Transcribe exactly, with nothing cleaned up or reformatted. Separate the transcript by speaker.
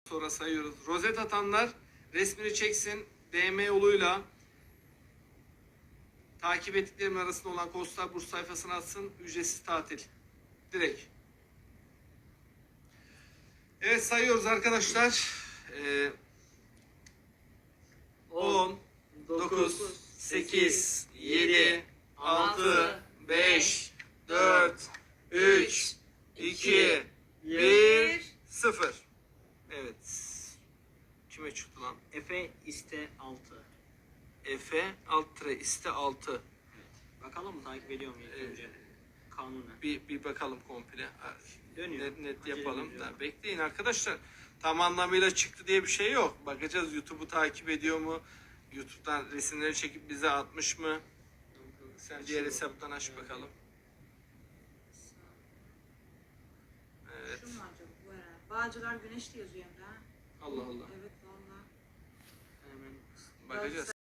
Speaker 1: sonra sayıyoruz. Rozet atanlar resmini çeksin. D M yoluyla takip ettiklerimin arasında olan Costa Burs sayfasına atsın. Ücretsiz tatil. Direkt. Evet, sayıyoruz arkadaşlar. Ee, on, dokuz, sekiz, yedi, altı, beş, dört, üç, iki, bir, sıfır. Evet. Kime çıktı lan?
Speaker 2: Efe iste altı.
Speaker 1: Efe alt tere iste altı.
Speaker 2: Evet. Bakalım mı takip ediyor mu ilk
Speaker 1: Ee,
Speaker 2: önce? Kanunen.
Speaker 1: Bir, bir bakalım komple.
Speaker 2: Dönüyor.
Speaker 1: Net, net
Speaker 2: Acele
Speaker 1: yapalım.
Speaker 2: ediyor.
Speaker 1: Da, bekleyin arkadaşlar. Tam anlamıyla çıktı diye bir şey yok. Bakacağız YouTube'u takip ediyor mu? YouTube'dan resimleri çekip bize atmış mı? Sen diğer hesaptan aç bakalım. Evet.
Speaker 3: Şu mu acaba bu herhalde? Bağcılar Güneş de yazıyor hem de ha.
Speaker 1: Allah Allah.
Speaker 3: Evet valla.
Speaker 2: Hemen
Speaker 1: Bakacağız.